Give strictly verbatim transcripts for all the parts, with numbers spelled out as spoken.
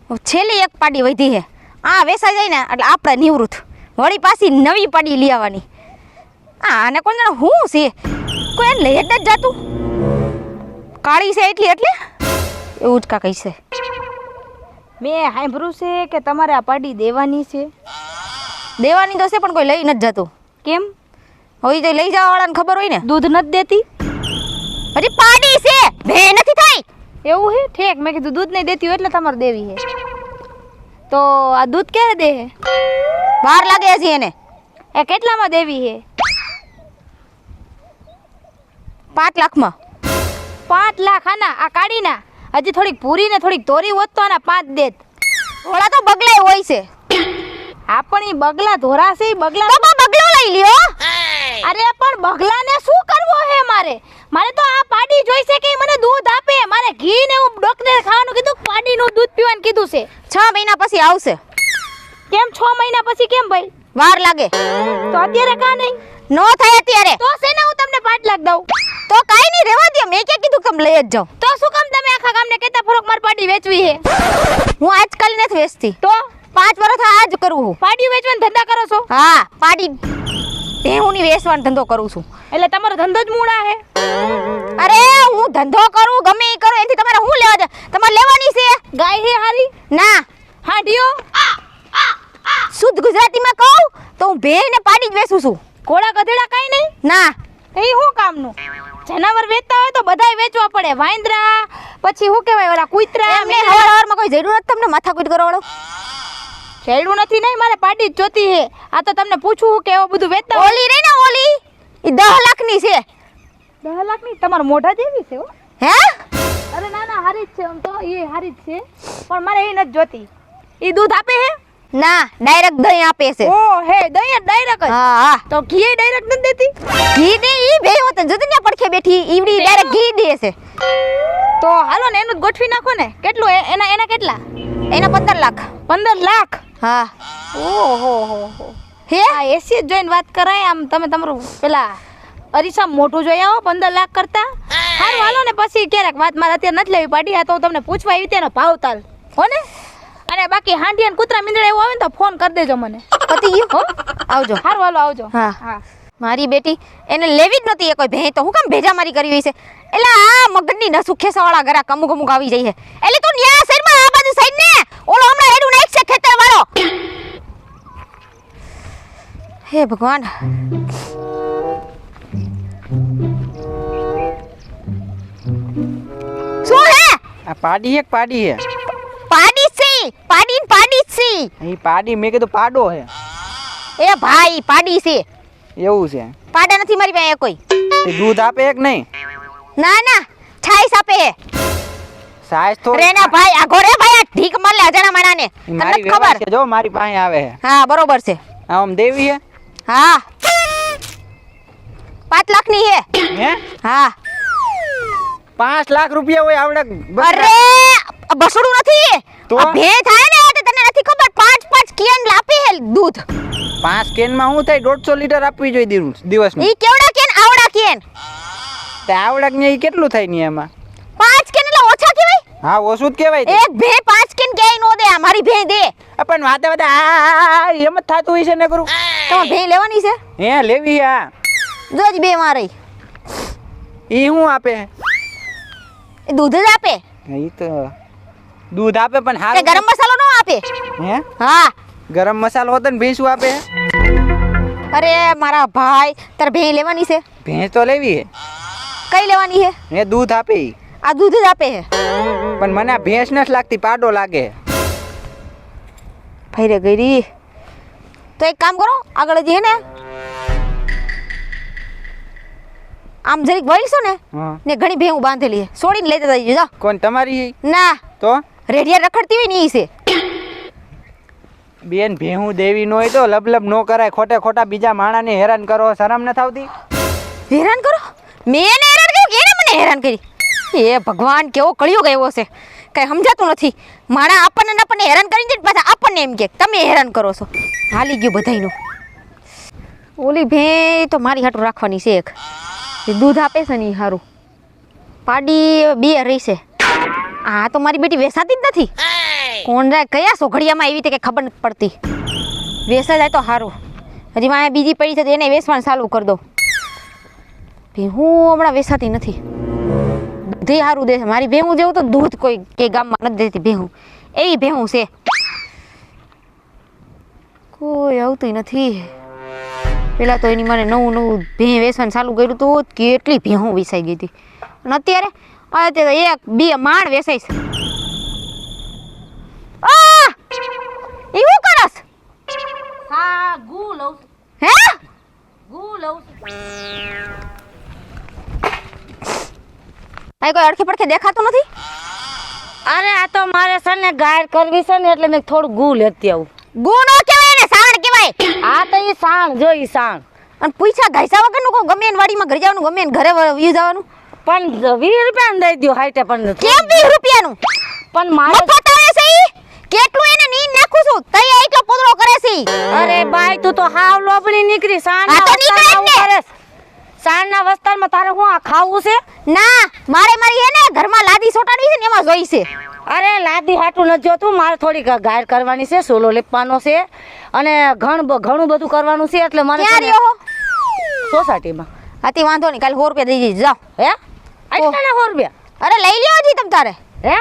છેલ્લી એક પાડી વધી છે. આ વેસાઈ જાય ને એટલે આપણે નિવૃત્ત વળી પાછી નવી પાડી લઈ આવવાની. આ આને કોણ જાણે હું છે કોઈ એને લઈ જ નથી જાતું. કાળી છે એટલી એટલે એવું જ કાંઈ છે. મેં સાંભળ્યું છે કે તમારે આ પાડી દેવાની છે. દેવાની તો છે પણ કોઈ લઈ નથી જતું. કેમ? હવે તો લઈ જવા વાળાને ખબર હોય ને. દૂધ નથી દેતી? હજી પાડી છે ભે નથી થઈ. એવું હે? ઠેક મેં કીધું દૂધ નહીં દેતી હોય એટલે તમારે દેવી છે. તો આ દૂધ ક્યારે દે હે? વાર લાગે છે એને. એ કેટલામાં દેવી છે? પાંચ લાખમાં. પાંચ લાખ આના આ કાઢીના? હજી થોડીક પૂરી ને થોડીક તોરી હોત તો આના પાંચ દેત. થોડા તો બગલાય હોય છે. આ પણ ઈ બગલા ધોરા છે ઈ બગલા તો બા બગલો લઈ લ્યો. અરે પણ બગલાને શું કરવો હે મારે? મારે તો આ પાડી જોઈશે કે ઈ મને દૂધ આપે. મારે ઘી ને હું ડોક્ટરે ખાવાનું કીધું, પાડીનું દૂધ પીવાનું કીધું છે. છ મહિના પછી આવશે. કેમ છ મહિના પછી કેમ ભાઈ? વાર લાગે તો અત્યારે કા નહીં? નો થાય અત્યારે તો છે ને હું તમને પાંચ લાખ દઉં. તો કાઈ નહીં રહેવા દે. મેં ક્યાં કીધું કે તમે લઈ જ જાઓ. તો શું કામ તમે આખા ગામને કહેતા ફરોક માર પાડી વેચવી હે? હું આજકાલ નથી વેચતી. તો પાંચ વર્ષ આ જ કરું છું. પાડી વેચવાનો ધંધા કરો છો? હા પાડી ભેહુંની વેચવાનો ધંધો કરું છું. એટલે તમારો ધંધો જ મૂળા હે? અરે હું ધંધો કરું ગમે એ કરું એથી તમારે શું લેવા છે? તમારે લેવાની છે ગાય હે હારી? ના હાંડિયો? શુદ્ધ ગુજરાતીમાં કહું તો હું ભેહ ને પાડી જ વેચું છું. ઘોડા ગધેડા કાઈ નહીં? ના એ શું કામનું? જનાવર વેચતા હોય તો બધાય વેચવા પડે. વાંદરા પછી શું કહેવાય ઓલા કૂતરા. એમને હવાર હવારમાં કોઈ જરૂર નથી તમને માથાકૂટ કરવા વાળો. શેડું નથી નહીં, મારે પાડી જ જોતી હે. આ તો તમને પૂછવું કે એવું બધું વેચતા હોય? ઓલી રે ને ઓલી એ દસ લાખની છે. દસ લાખની? તમારા મોઢા જેવી છે હો. હે? અરે ના ના હારી જ છે. આમ તો એ હારી જ છે પણ મારે એ નથી જોતી. એ દૂધ આપે હે? ના ડાયરેક્ટ દહીં આપે છે. ઓ હે દહીં ડાયરેક્ટ? હા હા. તો ઘી ડાયરેક્ટ નથી દેતી? ઘી દે ઈ બે હોત જતી ને પડખે બેઠી ઈવડી ડાયરેક્ટ ઘી દે છે. તો હાલો ને એનું જ ગોઠવી નાખો ને. કેટલું એ- એના એના કેટલા? એના પંદર લાખ. પંદર લાખ? હા. ઓહો હો હો. હે આ એસી જ જોઈને વાત કરાય. આમ તમે તમારું પેલા અરીસા મોઢું જોઈ આવો પંદર લાખ કરતા. સારું હાલો ને પછી ક્યારેક વાત. મારે અત્યારે નથી લેવી પાડી. આ તો હું તમને પૂછવા આવી તેનો ભાવ તાલ હો ને. અને બાકી હાંડિયા ને કૂતરા મીંદડા એવું આવે ને તો ફોન કરી દેજો મને. પતી ગયું હો. આવજો. સારું હાલો આવજો. હા હા મારી બેટી એને લેવી જ નહોતી એ કોઈ ભેં. તો હું કામ ભેજા મારી કરવી છે? એટલે આ મગજની નસુ ખેસાવાળા ઘરા અમુક અમુક આવી જાય છે. એટલે તું ન્યા સાઈડમાં આ બાજુ સાઈડ ને ઓલો હમણાં હેડું નાખ છે ખેતર વાળો. હે ભગવાન. શું હે? આ પાડી એક પાડી હે. પાડી છે પાડી ને પાડી જ છે. અહીં પાડી મેં કીધું પાડો હે. એ ભાઈ પાડી છે. એવું છે? પાડા નથી મારી પાસે કોઈ. તે દૂધ આપે એક નહીં? ના ના છાઈસ આપે હે. સાઈઝ તો રેના ભાઈ આ ઘોરે ભાઈ આ ઢીક માર લે અજાણા માણાને. ઈ તમને મારી ખબર? વ્યવહાર છે જો મારી પાસે આવે હે. હા બરોબર છે. આમ દેવી હે? હા પાંચ લાખ ની હે. હે? હા. પાંચ લાખ રૂપિયા હોય આવડે બસ. અરે બસડું નથી. તો? આ ભે થાય ને એટલે તને નથી ખબર. પાંચ પાંચ કેન લાપી હે દૂધ. પાંચ કેન માં શું થાય? દોઢસો લીટર આપવી જોઈએ દિવસ દિવસમાં. ઈ કેવડા કેન આવડા કેન? તે આવડક ને ઈ કેટલું થાય ને એમાં? પાંચ કેન એટલે ઓછા કહેવાય? હા ઓછું જ કહેવાય તે. એક ભે પાંચ કેન ક્યાંય નો દે. આ મારી ભે દે. આ પણ વાતે વાતે આ એમ જ થતું હોય છે ને કરું. તમારે ભે લેવાની છે? હે લેવી હે. આ જોજ બે મારી. ઈ શું આપે? એ દૂધ જ આપે. ઈ તો દૂધ આપે પણ તે હારું. ગરમ મસાલો નો આપે. હે? હા. ગરમ મસાલો હોતો ને ભેંસું આપે? અરે મારા ભાઈ તારે ભે લેવાની છે? ભેંસ તો લેવી હે. કઈ લેવાની છે? એ દૂધ આપે ઈ. આ દૂધ જ આપે છે. પણ મને આ ભેંસ નથી લાગતી, પાડો લાગે. ફૈરે ગઈ. તો એક કામ કરો આગળ જે હે ને આમ જરીક વળીશો ને હા. ને ઘણી ભેહું બાંધેલી છે. છોડીને લેતા જજો જા. કોણ તમારી? ના તો રેડિયા રખડતી હોય ને ઈ છે. બેન ભેહું દેવી નો હોય તો લબલબ નો કરાય. ખોટે ખોટા બીજા માણાને હેરાન કરો. શરમ ન આવતી? હેરાન કરો? મેં એને હેરાન કર્યું કે એને મને હેરાન કરી? એ ભગવાન કેવો કળિયો ગયો છે. કઈ સમજાતું નથી. માણા આપણને ને આપણને હેરાન કરીને જાય પાછા આપણને એમ કે તમે હેરાન કરો છો. હાલી ગયું બધાયનું. ઓલી ભે તો મારી હાટું રાખવાની છે એક. જે દૂધ આપે છે ને એ સારું. પાડી બે રહી છે. આ તો મારી બેટી વેસાતી જ નથી. કોણ જાય કયા સોઘડિયામાં આવી તે કે ખબર નથી પડતી. વેસા જાય તો સારું. હજી મારે બીજી પડી છે તો એને વેસવાનું ચાલુ કરી દો. ભેહું હમણાં વેસાતી નથી. દૂધે સારું દે છે. મારી ભેહું જેવું તો દૂધ કોઈ કે ગામમાં નથી દેતી ભેહું. એવી ભેહું છે. કોઈ આવતું નથી. પેલા તો એની મને નવું નવું ભેં વેસવાનું ચાલુ કર્યું તો કેટલી ભેહું વેસાઈ ગઈ હતી. અને અત્યારે અત્યારે એક બે માણ વેસાઈ છે. આ ઈ હું કરસ? હા ગુ લઉં છું. હે ગુ લઉં છું. આ કોઈ અડખે પડખે દેખાતું નથી. અરે આ તો મારે છે ને ગાય કરવી છે ને એટલે મેં થોડું ગુ લેતી આવું. ગુનો કહેવાય ને સાણ કહેવાય. આ તો ઈ સાણ જો ઈ સાણ. અને પૈસા ઘાયસા વગરનું કોઈ ગમે એની વાડીમાં ઘરે જવાનું ગમે એને ઘરે વ્યુ જવાનું. પણ વીસ રૂપિયા દઈ દો હાઈટે પણ કેમ વીસ રૂપિયાનું? પણ મારે મફત આવે છે ઈ. કેટલું એને નીન નાખું છું તઈ એટલો પોદરો કરે છે ઈ. અરે બાઈ તું તો હાવ લોબડી નીકળી સાણ આ તો નીકળે જ ને. સાણના વસ્તારમાં તારે હું આ ખાવું છે? ના મારે મારી હે ને ઘરમાં લાદી સોટાડવી છે ને એમાં જોઈ છે. અરે લાદી હાટું નથી જોતું મારે થોડીક ગાયર કરવાની છે સોલો લેપવાનો છે અને ઘણ ઘણું બધું કરવાનું છે એટલે મારે ક્યાં રહ્યો હો? સોસાયટીમાં. હાથી વાંધો નહીં કાલે સો રૂપિયા દઈ દીધી જાઓ. હે આટલા સો રૂપિયા? અરે લઈ લ્યો હજી તમ તારે. હે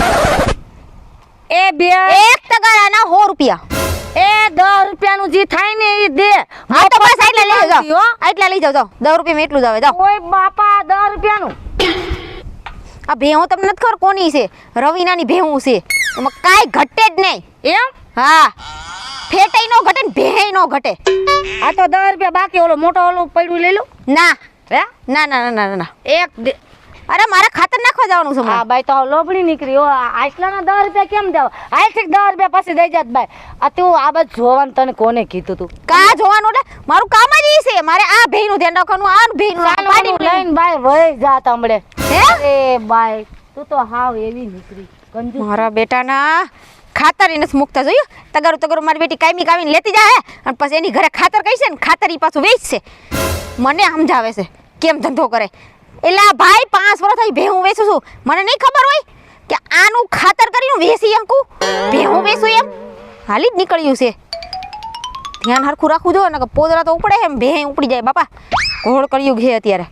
એ બે એક તગારાના સો રૂપિયા. એ દસ રૂપિયાનું જે થાય ને એ દે. હા તો બસ આટલા લઈ જાઓ. હો. આટલા લઈ જાઓ જાઓ. દસ રૂપિયામાં એટલું જ આવે જાઓ. ઓય બાપા દસ રૂપિયાનું. આ ભેહું તમને નથી ખબર કોની છે? રવિનાની ભેહું છે. એમાં કાંઈ ઘટે જ નહીં. એમ હા ફેટાઈ નો ઘટે ને ભેહી નો ઘટે. આ તો દસ રૂપિયા બાકી ઓલો મોટો ઓલો પડ્યું લઈ લો. ના હે ના ના ના ના ના એક દે- અરે મારે ખાતર નાખવા જવાનું છે હા હમણાં. બાઈ તો લોબડી નીકળી હો આટલાના દસ રૂપિયા કેમ દેવા? આઠ દસ રૂપિયા પછી દઈ જાત બાઈ. આ તું આ બાજુ જોવાનું તને કોને કીધું તું? કા જોવાનું એટલે મારું કામ જ ઈ છે. મારે આ ભેહીનું ધ્યાન રાખવાનું આ ભેહીનું ચાલો પાડીને લઈને બાઈ વહી જાત હમણે. હે અરે બાઈ તું તો હાવ એવી નીકળી કંજૂસ. મારા બેટાના ખાતર એને મુકતા જોયું. તગારું તગારું મારી બેટી કાયમી કાવીને લેતી જાય અને પછી એની ઘરે ખાતર કહી છે ને ખાતર ઈ પાછું વેચશે. મને સમજાવે છે કેમ ધંધો કરે. એટલે આ ભાઈ પાંચ વર્ષ થઈ ભેહું વેચું છું. મને નહીં ખબર હોય કે આનું ખાતર કરીને વેચી શકું ભેહું વેચું એમ. હાલી જ નીકળ્યું છે. ધ્યાન હરખું રાખવું જો ને પોદરા તો ઉપડે એમ ભે ઉપડી જાય બાપા. ઘોળ કર્યું છે અત્યારે.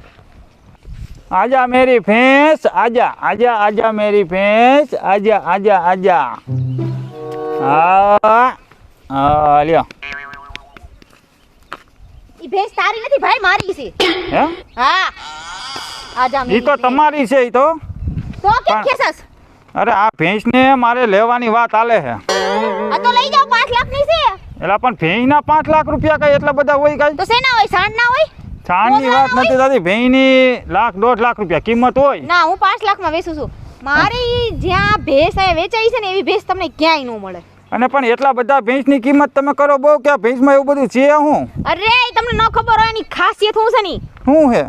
आजा मेरी भैंस आजा आजा आजा मेरी भैंस आजा आजा आजा हाँ हाँ લ્યો ઈ ભેંસ તારી નથી ભાઈ મારી છે. હે હા આજા ઈ તો તમારી છે ઈ તો. તો કેમ પણ- ખેસસ? અરે આ ભેંસને મારે લેવાની વાત આલે છે. આ તો લઈ જાઓ પાંચ લાખ ની છે. એટલે પણ ભેંસના પાંચ લાખ રૂપિયા કઈ એટલા બધા હોય કઈ? તો શેના હોય સાંડ ના હોય? છાણની વાત નથી થતી. ભેંસની લાખ દોઢ લાખ રૂપિયા કિંમત હોય. ના હું પાંચ લાખ માં વેચું છું. મારી જ્યાં ભેંસ આ વેચાઈ છે ને એવી ભેંસ તમને ક્યાંય ન મળે. અને પણ એટલા બધા ભેંસની કિંમત તમે કરો બહુ કે આ ભેંસમાં એવું બધું છે હું અરે ઈ તમને ન ખબર હોય એની ખાસિયત શું છે ની. શું હે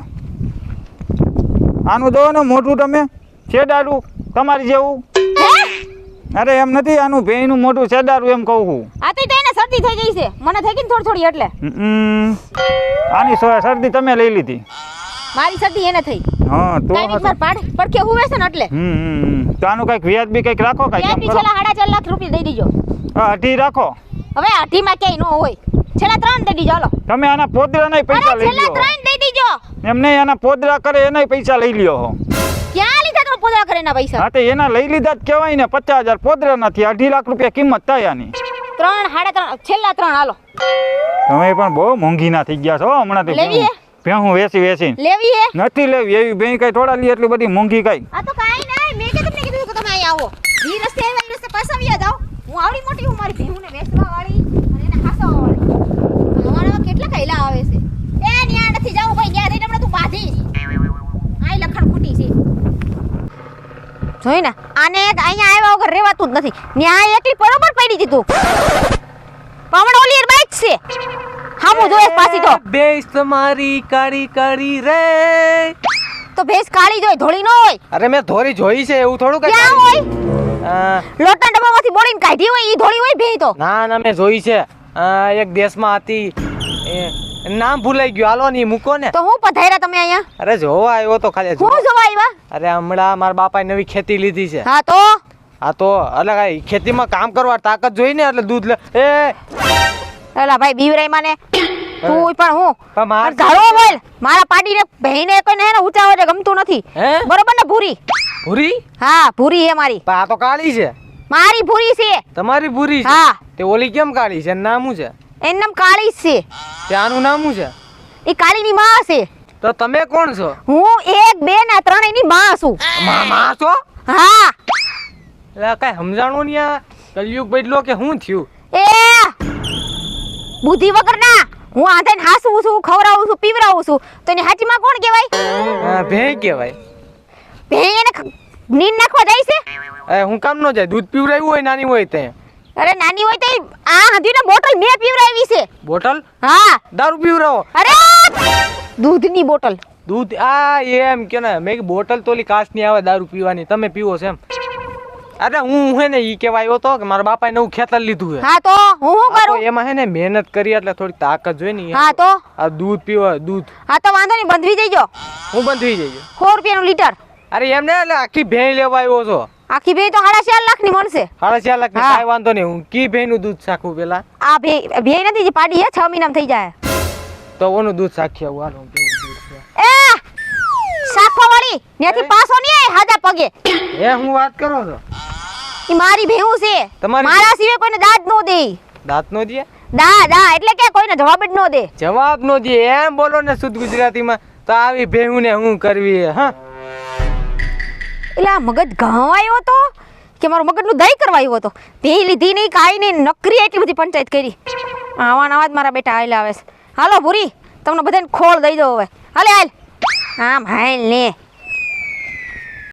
આનું દો ને મોઢું તમે છેડાડું તમારી જેવું. અરે એમ નથી આનું ભેંસનું મોઢું છેડાડું એમ કહું છું. આ તો એને શરદી થઈ ગઈ છે. મને થઈ ગઈ ને થોડી થોડી એટલે. હમ. આની સો- શરદી તમે લઈ લીધી. મારી શરદી એને થઈ. હા તો કાઈ બીમાર પાડ પડખે હુવે છે ને એટલે. હમ હમ. તો આનું કઈક વ્યાજ બી કઈક રાખો કઈક ત્યાં એમ બી કરો. છેલ્લા સાડા ચાર લાખ રૂપિયા દઈ દીજો. હા, અઢી રાખો. હવે અઢીમાં ક્યાંય ન હોય. છેલ્લા ત્રણ દઈ દીજો હાલો. તમે આના પોદરાના પૈસા અરે લઈ છેલ્લા લ્યો. ત્રણ દઈ દીજો. એમ નહીં આના પોદરા કરે એનાય પૈસા લઈ લ્યો હો. ક્યાં લીધા તમે પોદરા કરેના પૈસા? હા તો એના લઈ લીધા જ કહેવાય ને. પચાસ હજાર પોદરા નથી અઢી લાખ રૂપિયા કિંમત થાય આની. ત્રણ સાડા ત્રણ છેલ્લા ત્રણ હાલો. તમે પણ બહુ મોંઘી ના થઈ ગયા છો હો હમણાં લેવી હે? ભેહું વેચી વેચીને લેવી હે? નથી લેવી એવી બેંક કઈ થોડા લી એટલી બધી મોંઘી કઈ. આ તો કાઈ નહીં. મેં કે તમને કીધું કે તમે અહીં આવો. ઈ રસ્તે આવ્યા ઈ રસ્તે પાછા વ્યા જાઓ. હું આવડી મોટી હું મારી ભેહુંને વેચવા વાળી અને એને હાસવા વાળી. અમારા કેટલા કૈલા આવે છે. એ ન્યા નથી જાવું ભાઈ. ન્યા જઈને હમણાં તું બાંધીશ. આઈ લખણ ખોટી છે. જોઈ ને આને એક અહીંયા આવ્યા વગર રહેવાતું જ નથી. ન્યા એકલી બરોબર પડી દીધું. પાવડ ઓલી બાઈક છે. હામું જોયે પાછી તો. ભેંસ તમારી કાળી કાળી રે. તો ભેંસ કાળી જોઈ ધોળી ન હોય. અરે મેં ધોરી જોઈ છે એવું થોડું કઈ ક્યાં હોય? અ, લોટના ડબ્બામાંથી બોળીને કાઢી હોય ઈ ધોળી હોય ભેં તો. ના ના મેં જોઈ છે. અ, એક દેશમાં હતી એ નામ ભૂલાઈ ગયું હાલો ને ઈ મૂકો ને. તો હું પધાર્યા તમે અહીંયા? અરે જોવા આવ્યો તો ખાલી હું જોવા. જોવા આવ્યા? અરે હમણાં મારા બાપાએ નવી ખેતી લીધી છે હા તો આ તો એટલે કાંઈ ખેતીમાં કામ કરવા તાકાત જોઈ ને એટલે દૂધ લે એ એલા ભાઈ બીવરાઈ માને તું પણ હું પણ માર ઘાડો બોલ મારા પાડીને બહેને કોઈને હે ને ઊંચા અવાજે ગમતું નથી હે બરોબર ને ભૂરી ભૂરી હા ભૂરી હે મારી પણ આ તો કાળી છે મારી ભૂરી છે તમારી ભૂરી છે હા તે ઓલી કેમ કાળી છે એનું નામ શું છે એનું નામ કાળી જ છે તે આનું નામ શું છે એ કાળીની માં છે તો તમે કોણ છો હું એક બે ને ત્રણેયની માં છું મામા છો હા એટલે કાંઈ સમજાણું નહીં આ કલયુગ બદલો કે શું થયું એ બુદ્ધિ વગરના હું આંધેને હાસું છું ખવડાવું છું પીવડાવું છું તો એની હાચીમાં કોણ કહેવાય હા, ભેં કહેવાય ભેં એને ખ- નીંદ નાખવા જાય છે એ હું કામ ન જાય દૂધ પીવડાવ્યું હોય નાની હોય તે અરે નાની હોય તો ઈ આ હંધીને બોટલ મેં પીવડાવી છે બોટલ હા દારૂ પીવડાવો અરે દૂધની બોટલ દૂધ આ એમ કે ને મેં કીધું બોટલ તો ઓલી કાચની આવે દારૂ પીવાની તમે પીવો છો એમ અરે હું હે ને ઈ કેવા આવ્યો તો કે મારા બાપાએ નવું ખેતર લીધું છે હા તો હું શું આ તો કરું એમાં હે ને મહેનત કરી એટલે થોડી તાકાત જોઈ ને હા તો આ દૂધ પીવા દૂધ હા તો વાંધો નહીં બંધવી જઈજો હું બંધ થઈ જઈએ સો રૂપિયાનું લીટર અરે એમ ને એટલે આખી ભેં લેવા આવ્યો છો આખી ભેં તો સાડા ચાર લાખની મળશે સાડા ચાર લાખ હા. કાંઈ વાંધો નહીં હું કી ભેં નું દૂધ શાખું પેલા આ ભે ભેં નથી જે પાડી હે છ મહિનામાં થઈ જાય તો ઓનું દૂધ શાખી આવું હાલો કેવું દૂધ છે એ શાખો વાળી ત્યાંથી પાછો નહીં આય હાજા પગે એ હું વાત કરો છો ઈ મારી ભેહું છે તમારી મારા સિવાય કોઈને દાદ નો દે દાંત નો દે દા દા એટલે કે કોઈને જવાબ જ નો દે જવાબ નો દે એમ બોલો ને શુદ્ધ ગુજરાતીમાં તો આવી ભેહું ને હું કરવી હે, હા એટલે આ મગજ ઘવાયો તો કે મારું મગજનું દહીં કરવાયું હતો ભે લીધી નહીં કાંઈ નહીં નકરી એટલી બધી પંચાયત કરી આવા નવા જ મારા બેટા હાલ આવે છે હાલો ભૂરી તમને બધાને ખોળ દઈ દો હવે હાલે હાલ આમ હાલ ને